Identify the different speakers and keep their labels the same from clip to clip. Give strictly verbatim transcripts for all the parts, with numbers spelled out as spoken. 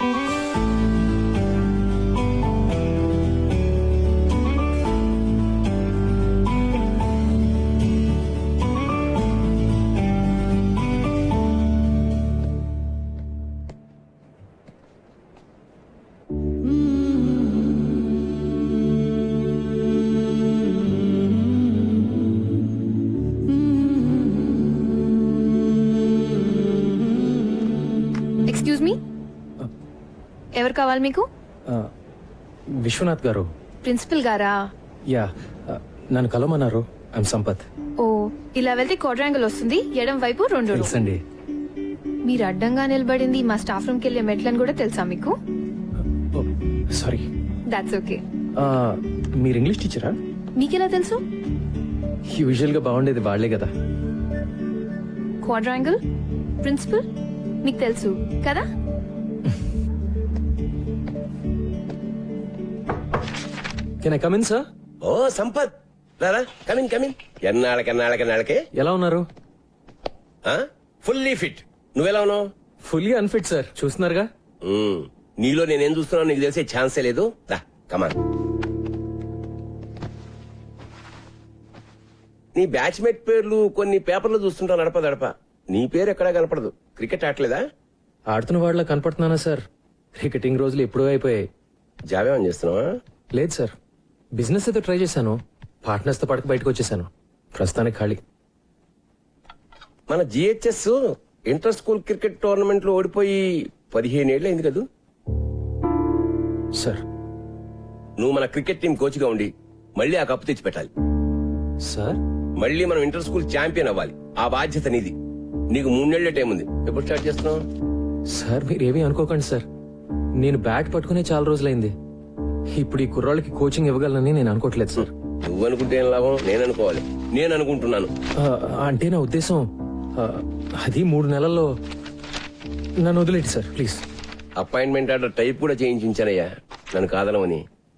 Speaker 1: Excuse me, ఎవరు కావాలి మీకు?
Speaker 2: విశ్వనాథ్ గారు.
Speaker 1: ప్రిన్సిపల్ గారా?
Speaker 2: యా, నన్ను కలవమన్నారు. ఐమ్ సంపత్.
Speaker 1: ఓ, ఇలా వెళ్తే క్వాడ్రాంగిల్ వస్తుంది, ఎడం వైపు రెండు.
Speaker 2: తెలుసండి.
Speaker 1: మీరు అడ్డంగా నిలబడింది మా స్టాఫ్ రూమ్ కి వెళ్ళే మెట్లని కూడా తెలుసా మీకు?
Speaker 2: సారీ.
Speaker 1: That's okay.
Speaker 2: మీరు ఇంగ్లీష్ టీచరా?
Speaker 1: మీకెలా తెలుసు?
Speaker 2: యూజువల్ గా బాగుండేది వాళ్లే కదా.
Speaker 1: క్వాడ్రాంగిల్, ప్రిన్సిపల్ మీకు తెలుసు కదా?
Speaker 2: Can I come in sir?
Speaker 3: ఓ సంపత్, రారా, కమిన్ కమిన్. ఎన్నాళ్ళకి ఎన్నాళ్ళకి ఎన్నాళ్ళకి
Speaker 2: ఎలా ఉన్నారు?
Speaker 3: Fully fit. నువ్వెలా ఉన్నావు?
Speaker 2: ఫుల్లీ అన్ఫిట్ సార్, చూస్తున్నారుగా.
Speaker 3: మ్మ్. నీలో నేనేం చూస్తున్నావు నీకు తెలిసే ఛాన్సే లేదు. రా కమాన్. నీ బ్యాచ్మేట్ పేర్లు కొన్ని పేపర్లు చూస్తుంటావు నడప దడప. నీ పేరు ఎక్కడా కనపడదు. క్రికెట్ ఆడలేదా?
Speaker 2: ఆడుతున్న వాళ్ళ కనపడుతున్నానా సార్? క్రికెటింగ్ రోజులు ఎప్పుడూ అయిపోయాయి.
Speaker 3: జాబేమని చేస్తున్నావా?
Speaker 2: లేదు సార్, బిజినెస్ అయితే ట్రై చేశాను. పార్ట్నర్స్ తో పడక బయటకు వచ్చేసాను. ప్రస్తుతానికి ఖాళీ.
Speaker 3: మన GHS inter school cricket tournament లో ఓడిపోయి పదిహేను ఏళ్ళు అయింది కదా
Speaker 2: సార్.
Speaker 3: నువ్వు మన క్రికెట్ టీం కోచ్ గా ఉండి మళ్ళీ ఆ కప్పు తెచ్చి పెట్టాలి
Speaker 2: సార్.
Speaker 3: మళ్ళీ మనం ఇంటర్ స్కూల్ ఛాంపియన్ అవ్వాలి. ఆ బాధ్యత నీది. నీకు మూడేళ్ల టైం ఉంది. ఎప్పుడు స్టార్ట్ చేస్తున్నావు?
Speaker 2: సార్ మీరేమీ అనుకోకండి సార్, నేను బ్యాట్ పట్టుకునే చాలా రోజులైంది. ఇప్పుడు ఈ కుర్రాళ్ళకి కోచింగ్ ఇవ్వగలనని నేను అనుకోవట్లేదు సార్.
Speaker 3: నువ్వు అనుకుంటే ఏం లాభం? నేను అనుకోవాలి. నేను అనుకుంటున్నాను.
Speaker 2: ఆ, అంటే నా ఉద్దేశం ఆ, అది మూడు నెలల్లో నన్ను వదిలేండి sir please.
Speaker 3: Appointment order type కూడా చేయించానయ్యా, నన్ను కాదనమని.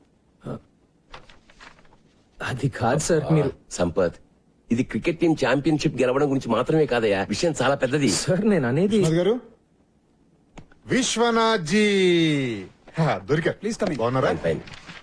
Speaker 2: అది కాదు సార్. మీరు
Speaker 3: సంపత్, ఇది క్రికెట్ టీం ఛాంపియన్షిప్ గెలవడం గురించి మాత్రమే కాదయ్యా, విషయం చాలా పెద్దది.
Speaker 2: సార్ నేను అనేది
Speaker 4: గారు, విశ్వనాథ్ జీ దొరికారు. Please coming. బాగున్నారా?
Speaker 3: ఫైన్.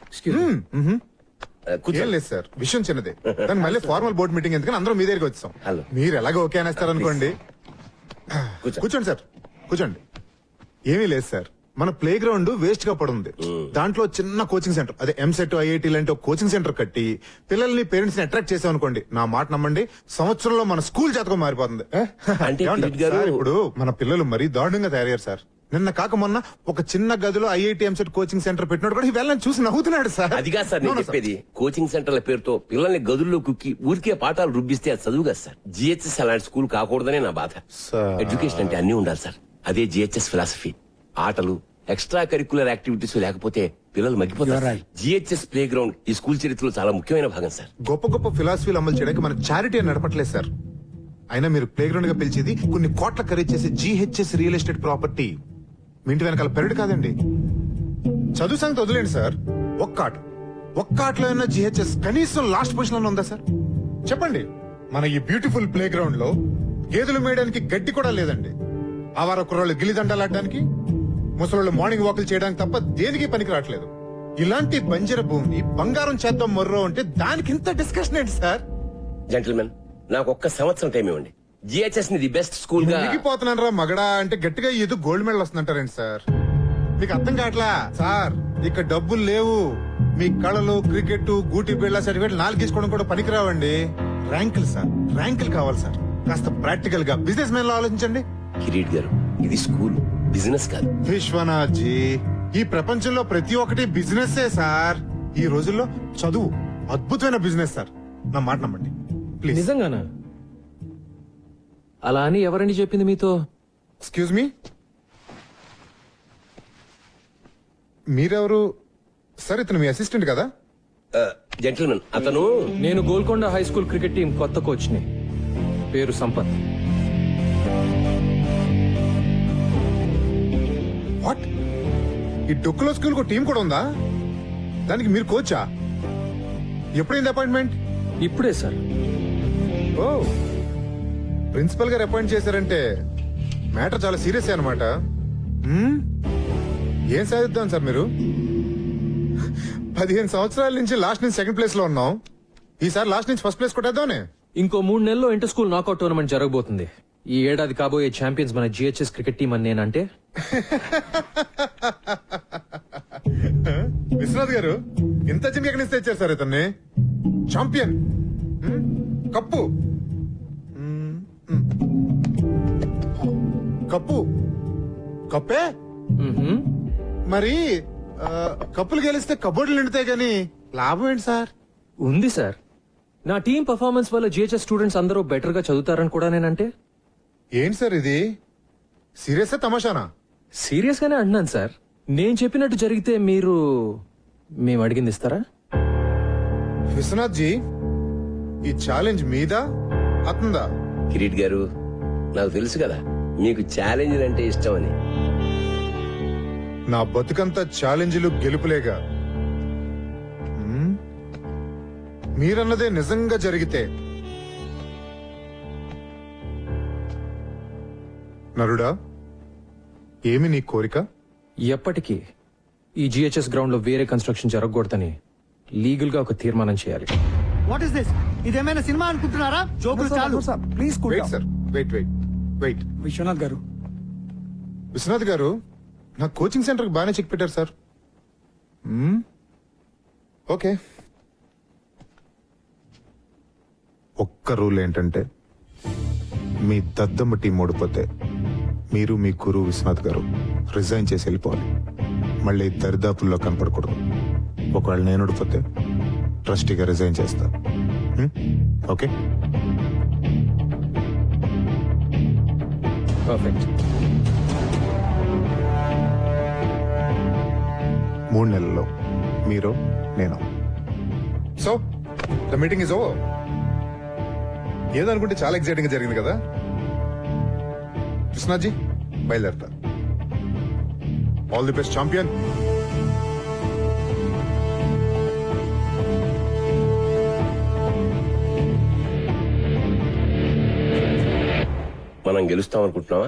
Speaker 4: ఏం లేదు సార్, విషయం చిన్నదే. కానీ మళ్ళీ ఫార్మల్ బోర్డ్ మీటింగ్ ఎందుకని అందరం మీ దగ్గరికి వచ్చాం.
Speaker 3: హలో.
Speaker 4: మీరు ఎలాగో ఓకే అనేస్తారు అనుకోండి.
Speaker 3: కూర్చో.
Speaker 4: కూర్చోండి సార్, కూర్చోండి. ఏమీ లేదు సార్, మన ప్లే గ్రౌండ్ వేస్ట్ గా పడుంది. దాంట్లో చిన్న కోచింగ్ సెంటర్, అదే ఎంసెట్ ఐఐటి లాంటి ఒక కోచింగ్ సెంటర్ కట్టి పిల్లల్ని పేరెంట్స్ ని అట్రాక్ట్ చేసాం అనుకోండి, నా మాట నమ్మండి, సంవత్సరంలో మన స్కూల్ జాతకం మారిపోతుంది.
Speaker 3: అంటే
Speaker 4: ఏమంటారు?
Speaker 3: కిరీట్ గారు-
Speaker 4: సార్, ఇప్పుడు మన పిల్లలు మరీ దారుణంగా తయారయ్యారు సార్. నిన్న కాక మొన్న ఒక చిన్న గదిలో ఐఐటి ఎంసెట్ కోచింగ్ సెంటర్ పెట్టినోడు కూడా వెళ్ళని చూసి నవ్వుతున్నాడు సార్.
Speaker 3: అదిగా సార్ నేను చెప్పేది. కోచింగ్ సెంటర్ల పేరుతో పిల్లల్ని గదుల్లో కుక్కి ఊరికే పాఠాలు రుబ్బిస్తే అది చదువు కదా సార్. జిహెచ్ఎస్ అలాంటి స్కూల్ కాకూడదనే నా బాధ.
Speaker 4: సార్.
Speaker 3: ఎడ్యుకేషన్ అంటే అన్ని ఉండాలి సార్. అదే జిహెచ్ఎస్ ఫిలాసఫీ. ఆటలు, ఎక్స్ట్రా కరికులర్ యాక్టివిటీస్ లేకపోతే పిల్లలు మగ్గిపోతారు. జిహెచ్ఎస్ ప్లే గ్రౌండ్ ఈ స్కూల్ చరిత్రలో చాలా ముఖ్యమైన భాగం సార్.
Speaker 4: గొప్ప గొప్ప ఫిలాసఫీలు అమలు చేయడానికి మన చారిటీ నడపట్లేదు సార్. అయినా మీరు ప్లే గ్రౌండ్ గా పిలిచేది కొన్ని కోట్ల ఖరీదు చేసే జిహెచ్ఎస్ రియల్ ఎస్టేట్ ప్రాపర్టీ. మీ ఇంటి వెనకాల పెరడు కాదండి. చదువు సంగతి వదిలేండి సార్, ఒక్క ఆట ఒక్క ఆటలో ఉన్న జిహెచ్ఎస్ కనీసం లాస్ట్ పొజిషన్ లో ఉందా సార్? చెప్పండి. మన ఈ బ్యూటిఫుల్ ప్లే గ్రౌండ్ లో గేదెలు మేయడానికి గడ్డి కూడా లేదండి. ఆవార కుర్రాళ్ళు గిల్లిదండాలు ఆడడానికి, ముసలోళ్ళు మార్నింగ్ వాకులు చేయడానికి తప్ప దేనికి పనికి రావట్లేదు. ఇలాంటి బంజర భూమిని బంగారం చేద్దాం మొర్రో అంటే దానికి ఇంత డిస్కషన్ ఏంటి సార్?
Speaker 3: జెంటిల్మెన్, నాకు ఒక్క సంవత్సరం టైం ఇవ్వండి. జిహెచ్ఎస్ ని ది బెస్ట్ స్కూల్ గా
Speaker 4: మునిగిపోతున్నాను రా మగడా అంటే గట్టిగా ఏదో గోల్డ్ మెడల్ వస్తుందంటారండి సార్. మీకు అర్థం కావట్లా సార్. ఇక డబ్బులు లేవు. మీ కళలు, క్రికెట్, గూటి బిళ్ళ సర్టిఫికేట్ నాలుగు తీసుకోవడం కూడా పనికిరావండి. ర్యాంకులు సార్, ర్యాంకులు కావాలి సార్. కాస్త ప్రాక్టికల్ గా బిజినెస్ మ్యాన్ లో ఆలోచించండి.
Speaker 3: కిరీట్ గారు, ఇది స్కూల్, బిజినెస్ కాదు.
Speaker 4: విశ్వనాథ్ జీ, ఈ ప్రపంచంలో ప్రతి ఒక్కటి బిజినెస్ సార్. ఈ రోజుల్లో చదువు అద్భుతమైన బిజినెస్ సార్. నా మాట నమ్మండి ప్లీజ్.
Speaker 2: నిజంగానా? అలా అని ఎవరండి చెప్పింది మీతో?
Speaker 4: ఎక్స్క్యూజ్ మీ, మీరెవరు సార్? ఇతను మీ అసిస్టెంట్ కదా?
Speaker 3: జెంటిల్మెన్, అతను
Speaker 2: నేను Golconda high school cricket team కొత్త కోచ్ ని. పేరు సంపత్.
Speaker 4: వాట్? ఈ డొక్కులో స్కూల్ కు టీం కూడా ఉందా? దానికి మీరు కోచా? ఎప్పుడైంది అపాయింట్మెంట్?
Speaker 2: ఇప్పుడే సార్.
Speaker 4: ఓ, ప్రిన్సిపల్ గారు అపాయింట్ చేశారంటే మ్యాటర్ చాలా సీరియస్ అనమాట. ఏం సాధిద్దాం సార్ మీరు? పదిహేను సంవత్సరాల నుంచి లాస్ట్ నుంచి సెకండ్ ప్లేస్ లో ఉన్నాం. ఈసారి లాస్ట్ నుంచి ఫస్ట్ ప్లేస్ కొట్టేద్దామనే.
Speaker 2: ఇంకో మూడు నెలల్లో ఇంటర్ స్కూల్ నాకౌట్ టోర్నమెంట్ జరగబోతుంది. ఈ ఏడాది కాబోయే ఛాంపియన్స్ మన జిహెచ్ఎస్ క్రికెట్ టీం అని నేనంటే
Speaker 4: విశ్వనాథ్ గారు ఇంత చిన్న ఎక్కడి నుంచి తెచ్చారు సార్ ఇతన్ని? ఛాంపియన్, హ్మ్? కప్పు, హ్మ్, హ్మ్. కప్పు కప్పే
Speaker 2: మ్హూ.
Speaker 4: మరి ఆ, కప్పులు గెలిస్తే కబోర్డులు నిండుతాయి కానీ లాభం ఏంటి సార్?
Speaker 2: ఉంది సార్. నా టీం పర్ఫార్మెన్స్ వల్ల జిహెచ్ఎస్ స్టూడెంట్స్ అందరూ బెటర్ గా చదువుతారని కూడా నేనంటే.
Speaker 4: ఏంటి సార్ ఇది? సీరియస్ తమాషానా?
Speaker 2: సీరియస్ గానే అంటున్నాను సార్. నేను చెప్పినట్టు జరిగితే మీరు మేము అడిగింది ఇస్తారా?
Speaker 4: విశ్వనాథ్ జీ, ఈ ఛాలెంజ్ మీదా అతందా?
Speaker 3: కిరీట్ గారు, నాకు తెలుసు కదా మీకు ఛాలెంజ్ అంటే ఇష్టం అని.
Speaker 4: నా బతుకంతా ఛాలెంజ్లు గెలుపులేగా. హ్మ్? మీరన్నదే నిజంగా జరిగితే నరుడా, ఏమి నీ కోరిక?
Speaker 2: ఎప్పటికీ ఈ జిహెచ్ఎస్ గ్రౌండ్ లో వేరే కన్స్ట్రక్షన్ జరగకూడదని లీగల్ గా ఒక తీర్మానం చేయాలి.
Speaker 5: What is this? ఇదేమైనా సినిమా అనుకుంటున్నారా? జోకులు చాలు.
Speaker 6: Please
Speaker 4: wait sir, wait wait wait.
Speaker 6: Viswanath గారు,
Speaker 4: విశ్వనాథ్ గారు, నా కోచింగ్ సెంటర్ కి బాగానే చెక్ పెట్టారు సార్. మ్మ్. ఓకే. ఒక్క రూల్ ఏంటంటే మీ దద్దమ్మ టీం ఓడిపోతే మీరు మీ గురువు విశ్వనాథ్ గారు రిజైన్ చేసి వెళ్ళిపోవాలి. మళ్ళీ దరిదాపుల్లో కనపడకూడదు. ఒకవేళ నేను ఓడిపోతే ట్రస్టీగా రిజైన్ చేస్తా. మ్మ్? ఓకే.
Speaker 2: పర్ఫెక్ట్.
Speaker 4: మూడు నెలల్లో మీరు నేను. So the meeting is over. ఏదనుకుంటే చాలా ఎక్సైటింగ్ గా జరిగింది కదా. కృష్ణాజీ బయలుదేరతా. All the best champion.
Speaker 3: మనం గెలుస్తాం అనుకుంటున్నావా?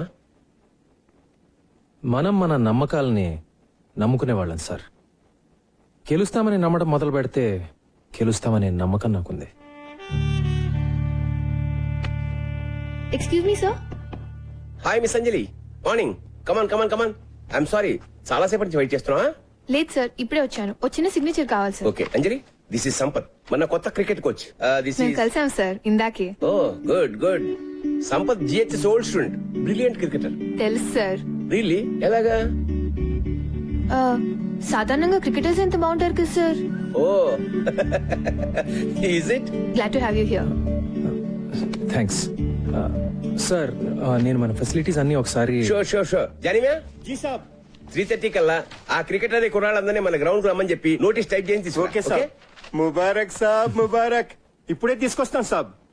Speaker 2: మనం మన నమ్మకాలని నమ్ముకునే వాళ్ళం సార్. గెలుస్తామని నమ్మడం మొదలు పెడితే గెలుస్తామనే నమ్మకం నాకుంది.
Speaker 1: Excuse me sir.
Speaker 3: Hi miss Anjali, morning. Come on come on come on. I'm sorry, చాలా సేపటి నుంచి వెయిట్ చేస్తున్నావా?
Speaker 1: లేదు సార్, ఇప్పుడే వచ్చాను. వచ్చిన సిగ్నేచర్ కావాలి sir.
Speaker 3: Okay Anjali, this is Sampath, మన కొత్త క్రికెట్ కోచ్. దిస్
Speaker 1: మేము
Speaker 3: ఇస్
Speaker 1: కలిసాం సార్ ఇందాకే.
Speaker 3: Oh good good. Sampath GHS old student, brilliant cricketer.
Speaker 1: తెలుసు సార్.
Speaker 3: రియల్లీ? ఎలాగా?
Speaker 1: ఆ, సాధారణంగా క్రికెటర్స్ ఎంత బాగుంటారు కదా sir.
Speaker 3: Oh is it?
Speaker 1: Glad to have you here.
Speaker 2: Thanks sir. నేను మన ఫెసిలిటీస్ అన్ని ఒకసారి.
Speaker 3: Sure sure sure. Janiva ji సాబ్, త్రీ థర్టీ కల్లా ఆ క్రికెటర్ కుర్రాళ్ళందరినీ మన గ్రౌండ్ రమ్మని చెప్పి నోటీస్ టైప్ చేసి తీసుకురా.
Speaker 7: ఓకే సాబ్. ముబారక్ సాబ్, ముబారక్. ఇప్పుడే తీసుకొస్తాం సాబ్.